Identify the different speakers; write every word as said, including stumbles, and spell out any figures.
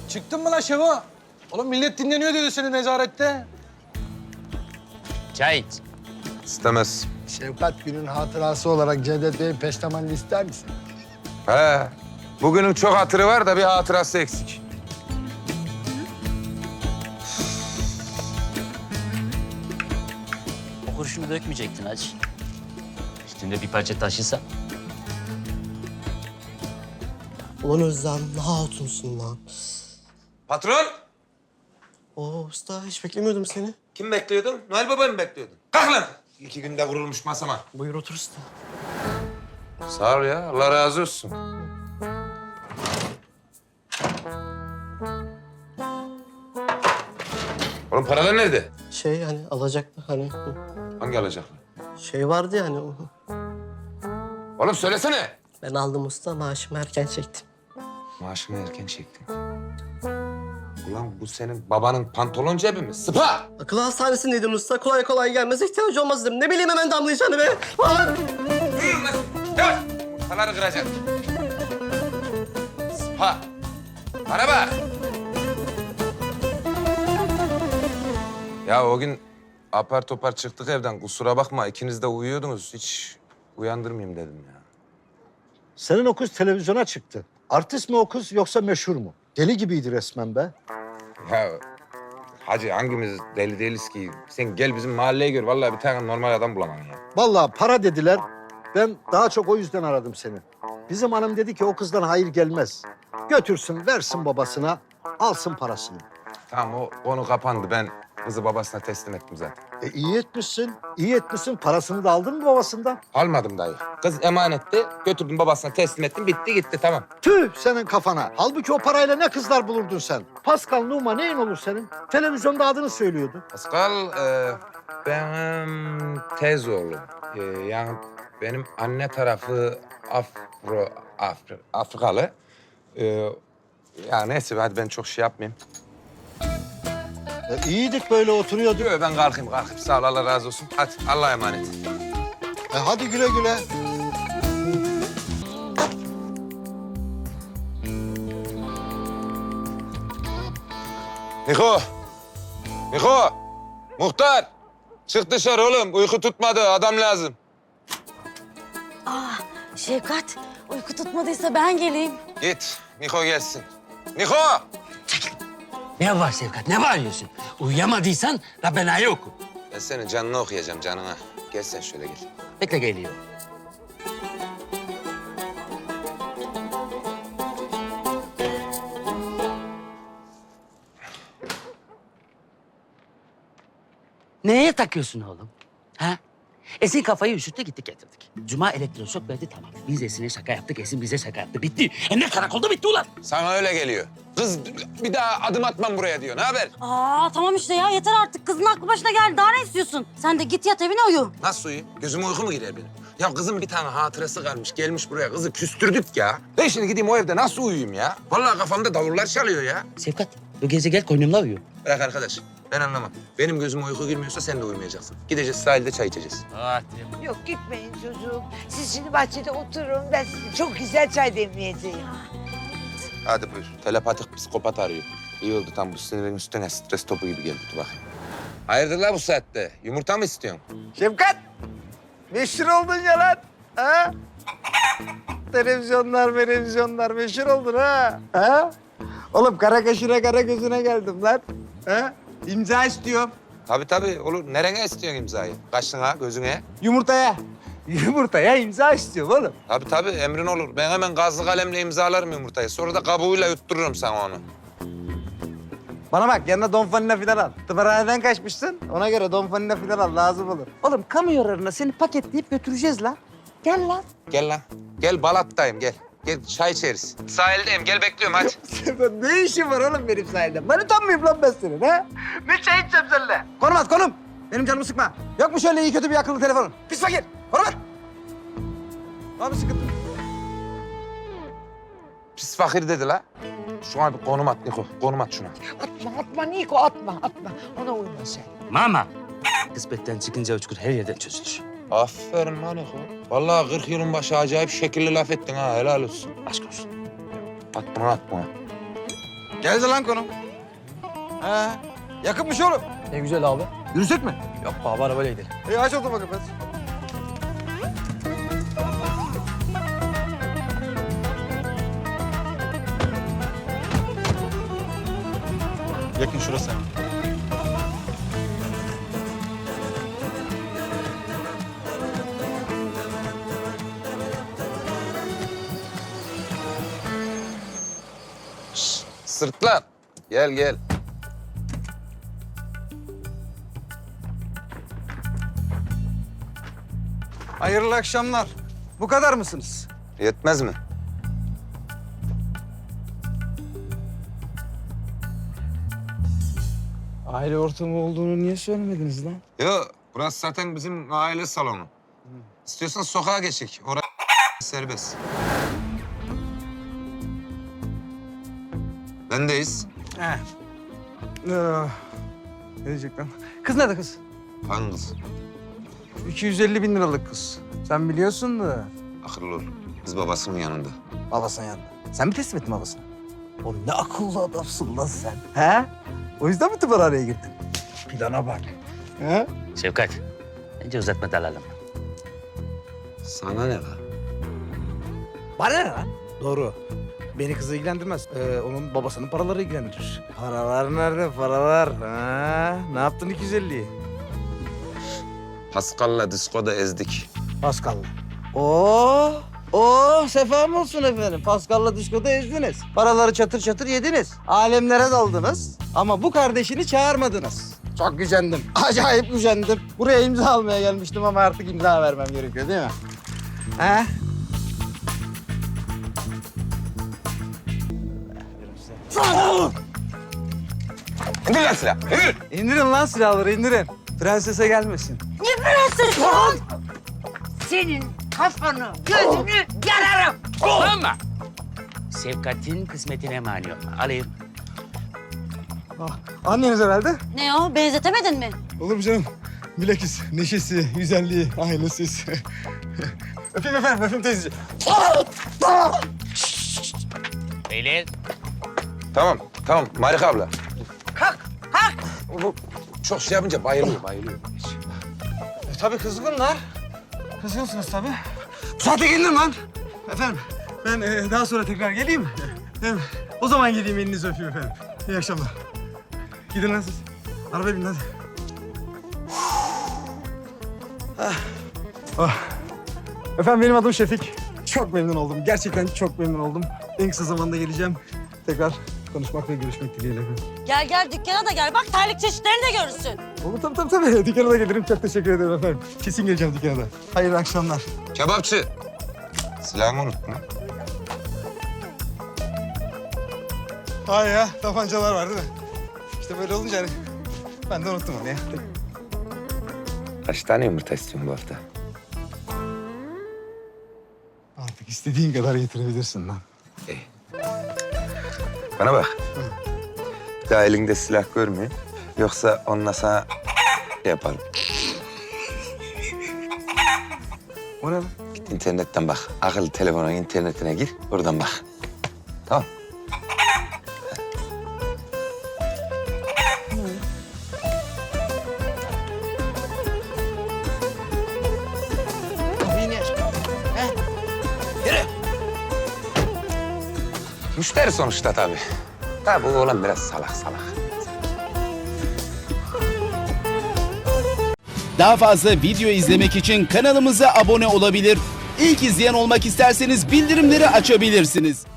Speaker 1: Çıktın mı lan Şevo? Oğlum millet dinleniyor dedi seni nezarette.
Speaker 2: Çay iç.
Speaker 3: İstemez.
Speaker 4: Şefkat günün hatırası olarak Cevdet Bey'in peştemalini ister misin?
Speaker 3: He. Bugünün çok hatırı var da bir hatırası eksik.
Speaker 2: O kurşunu dökmeyecektin hacı. Üstünde bir parça taşısa.
Speaker 5: Ulan Özlem ne hatunsun lan.
Speaker 3: Patron!
Speaker 5: Oo usta hiç beklemiyordum seni.
Speaker 3: Kim bekliyordun? Noel Baba'yı mı bekliyordun? Kalk lan! İki günde kurulmuş masama.
Speaker 5: Buyur otur usta.
Speaker 3: Sağ ol ya. Allah razı olsun. Oğlum paralar nerede?
Speaker 5: Şey hani alacaklı hani
Speaker 3: Hangi alacaklar?
Speaker 5: şey vardı ya hani. o-
Speaker 3: Oğlum söylesene.
Speaker 5: Ben aldım usta maaşımı erken çektim.
Speaker 3: Maaşını erken çektin. Ulan bu senin babanın pantolon cebi mi? Sıpa!
Speaker 5: Akıl hastanesindeydin usta. Kolay kolay gelmez ihtiyacı olmaz dedim. Ne bileyim hemen damlayacağını be. Aa!
Speaker 3: Yürü lan! Yavaş! Yumurtaları kıracaksın. Sıpa! Bana bak! Ya o gün apar topar çıktık evden. Kusura bakma ikiniz de uyuyordunuz. Hiç uyandırmayayım dedim ya.
Speaker 4: Senin o kız televizyona çıktı. Artist mi o kız yoksa meşhur mu? Deli gibiydi resmen be.
Speaker 3: Ya hacı hangimiz deli değiliz ki? Sen gel bizim mahalleye gör. Vallahi bir tane normal adam bulamam ya.
Speaker 4: Vallahi para dediler. Ben daha çok o yüzden aradım seni. Bizim hanım dedi ki o kızdan hayır gelmez. Götürsün, versin babasına, alsın parasını.
Speaker 3: Tamam o konu kapandı. Ben kızı babasına teslim ettim zaten.
Speaker 4: E iyi etmişsin, iyi etmişsin. Parasını da aldın mı babasından?
Speaker 3: Almadım dayı. Kız emanetti. Götürdüm babasına teslim ettim. Bitti gitti tamam.
Speaker 4: Tüh senin kafana. Halbuki o parayla ne kızlar bulurdun sen? Pascal Numa neyin olur senin? Televizyonda adını söylüyordu.
Speaker 3: Pascal e, benim tez oğlum. E, yani benim anne tarafı Afro, Afri, Afrikalı. E, ya neyse hadi ben çok şey yapmayayım.
Speaker 4: E, iyiydik böyle oturuyorduk.
Speaker 3: Yo, ben kalkayım kalkayım. Sağ ol Allah razı olsun. Hadi Allah'a emanet.
Speaker 4: E, hadi güle güle.
Speaker 3: Niko! Niko! Muhtar! Çık dışarı oğlum. Uyku tutmadı. Adam lazım.
Speaker 6: Ah Şefkat, uyku tutmadıysa ben geleyim.
Speaker 3: Git. Niko gelsin. Niko!
Speaker 7: Ne var Şefkat? Ne bağırıyorsun? Uyuyamadıysan Rabbena'yı oku.
Speaker 3: Ben senin canını okuyacağım canına. Gel sen şöyle gel.
Speaker 7: Bekle geliyor. Neye takıyorsun oğlum? Ha? Esin kafayı üşüttü gittik getirdik. Cuma elektroşok verdi tamam. Biz Esin'e şaka yaptık, Esin bize şaka yaptı. Bitti. Hem de karakolda bitti ulan.
Speaker 3: Sana öyle geliyor. Kız bir daha adım atmam buraya diyor. Ne haber?
Speaker 6: Aa tamam işte ya yeter artık. Kızın aklı başına geldi. Daha ne istiyorsun? Sen de git yat evine uyu.
Speaker 3: Nasıl uyuyayım? Gözüme uyku mu girer benim? Ya kızın bir tane hatırası kalmış. Gelmiş buraya. Kızı küstürdük ya. Ben şimdi gideyim o evde nasıl uyuyayım ya? Vallahi kafamda davullar çalıyor ya.
Speaker 7: Şefkat, bu gece gel koynumla uyu.
Speaker 3: Bırak arkadaş. Ben anlamam. Benim gözüme uyku girmiyorsa sen de uyumayacaksın. Gideceğiz sahilde çay içeceğiz.
Speaker 7: Hadi.
Speaker 8: Yok gitmeyin çocuğum. Siz şimdi bahçede oturun. Ben size çok güzel çay demleyeceğim.
Speaker 3: Hadi buyur. Telepatik psikopat arıyor. İyi oldu tam bu sinirin üstüne stres topu gibi geldi. Dur bakayım. Hayırdır la bu saatte? Yumurta mı istiyorsun?
Speaker 9: Şefkat, meşhur oldun ya lan. Ha? Televizyonlar, televizyonlar meşhur oldun ha. Ha? Oğlum kara kaşına kara gözüne geldim lan. Ha? İmza istiyorum.
Speaker 3: Tabii tabii olur. Nereye istiyorsun imzayı? Kaşına, gözüne?
Speaker 9: Yumurtaya. Yumurtaya imza istiyorum oğlum.
Speaker 3: Tabii tabii emrin olur. Ben hemen gazlı kalemle imzalarım yumurtayı. Sonra da kabuğuyla yuttururum sana onu.
Speaker 9: Bana bak yanına Don Fanina filan al. Tımarhaneden kaçmışsın. Ona göre Don Fanina filan al lazım olur. Oğlum kamu yararına seni paketleyip götüreceğiz lan. Gel lan.
Speaker 3: Gel lan. Gel Balat'tayım gel. Gel çay içeriz. Sahildeyim gel bekliyorum hadi.
Speaker 9: Ne işin var oğlum benim sahilde? Manitan mıyım lan ben senin ha? Ne çay içeceğim seninle? Konum at konum. Benim canımı sıkma. Yok mu şöyle iyi kötü bir akıllı telefonun? Pis fakir. Konum at. Var mı sıkıntı?
Speaker 3: Pis fakir dedi la. Şuna bir konum at Niko. Konum at şuna.
Speaker 8: Atma atma Niko atma atma. Ona uyma sen.
Speaker 7: Mama. Kısmetten çıkınca uçkur her yerden çözülür.
Speaker 3: Aferin lan Niko. Vallahi kırk yılın başı acayip şekilli laf ettin ha. Helal olsun.
Speaker 7: Aşk olsun.
Speaker 3: At bunu at bunu.
Speaker 9: Geldi lan konum. He. Yakınmış oğlum.
Speaker 1: Ne güzel abi.
Speaker 9: Yürüsek mi?
Speaker 1: Yok abi arabayla gidelim.
Speaker 9: İyi aç o zaman kafes.
Speaker 1: Yakın şurası.
Speaker 3: Sırtlan. Gel gel.
Speaker 9: Hayırlı akşamlar. Bu kadar mısınız?
Speaker 3: Yetmez mi?
Speaker 9: Aile ortamı olduğunu niye söylemediniz lan?
Speaker 3: Yok, burası zaten bizim aile salonu. İstiyorsan sokağa geçek. Orası serbest. Bendeyiz.
Speaker 9: He. Ee, ne diyecek lan? Kız nerede kız?
Speaker 3: Hangi kız?
Speaker 9: iki yüz elli bin liralık kız. Sen biliyorsun da.
Speaker 3: Akıllı ol. Kız babasının yanında.
Speaker 9: Babasının yanında. Sen mi teslim ettin babasına? Oğlum ne akıllı adamsın lan sen. He? O yüzden mi tımarhaneye girdin? Plana bak. He?
Speaker 7: Şevkat, bence uzatma dalalım.
Speaker 3: Sana ne lan?
Speaker 9: Bana ne lan? Doğru. Beni kızı ilgilendirmez. Ee, onun babasının paraları ilgilendirir. Paralar nerede? Paralar. Ha? Ne yaptın iki yüz elliyi?
Speaker 3: Pascal'la diskoda ezdik.
Speaker 9: Pascal'la. Oo, oo, sefam olsun efendim. Pascal'la diskoda ezdiniz. Paraları çatır çatır yediniz. Alemlere daldınız. Ama bu kardeşini çağırmadınız. Çok gücendim. Acayip gücendim. Buraya imza almaya gelmiştim ama artık imza vermem gerekiyor değil mi? He?
Speaker 3: İndir lan silah, indir!
Speaker 9: İndirin lan silahları, indirin. Prensese gelmesin.
Speaker 8: Senin kafanı, gözünü yararım.
Speaker 7: Ama Şevkat'in kısmetine mani olma. Alayım.
Speaker 9: Anneniz herhalde.
Speaker 6: Ne o? Benzetemedin mi?
Speaker 9: Olur mu canım? Bilakis neşesi, güzelliği, ailesi. Öpeyim efendim, öpeyim teyzeciğim.
Speaker 7: Beyler.
Speaker 3: Tamam, tamam. Marika abla. Kalk, kalk! Bu çok şey yapınca bayılıyor, bayılıyor.
Speaker 9: E, tabii kızgınlar. Kızgınsınız tabii. Bu saate gelin lan. Efendim, ben e, daha sonra tekrar geleyim. Hem o zaman geleyim, elinizi öpeyim efendim. İyi akşamlar. Gidin lan siz. Arabaya binin hadi. Ah. Ah. Efendim benim adım Şefik. Çok memnun oldum. Gerçekten çok memnun oldum. En kısa zamanda geleceğim. Tekrar konuşmak ve görüşmek dileğiyle efendim.
Speaker 6: Gel gel dükkana da gel. Bak terlik çeşitlerini de görürsün.
Speaker 9: Olur tabii tabii tabii. Dükkana da gelirim. Çok teşekkür ederim efendim. Kesin geleceğim dükkana da. Hayırlı akşamlar.
Speaker 3: Kebapçı. Silahımı unuttun.
Speaker 9: Hay ya, tabancalar var değil mi? İşte böyle olunca hani ben de unuttum onu ya.
Speaker 3: Kaç tane yumurta istiyorsun bu hafta?
Speaker 9: Artık istediğin kadar getirebilirsin lan.
Speaker 3: Bana bak. Bir daha elinde silah görmeyeyim. Yoksa onunla sana şey yaparım.
Speaker 9: O ne lan?
Speaker 3: Git internetten bak. Akıllı telefonun internetine gir. Oradan bak. Tamam. Müşteri sonuçta tabii. Tabii bu oğlan biraz salak salak.
Speaker 10: Daha fazla video izlemek için kanalımıza abone olabilir. İlk izleyen olmak isterseniz bildirimleri açabilirsiniz.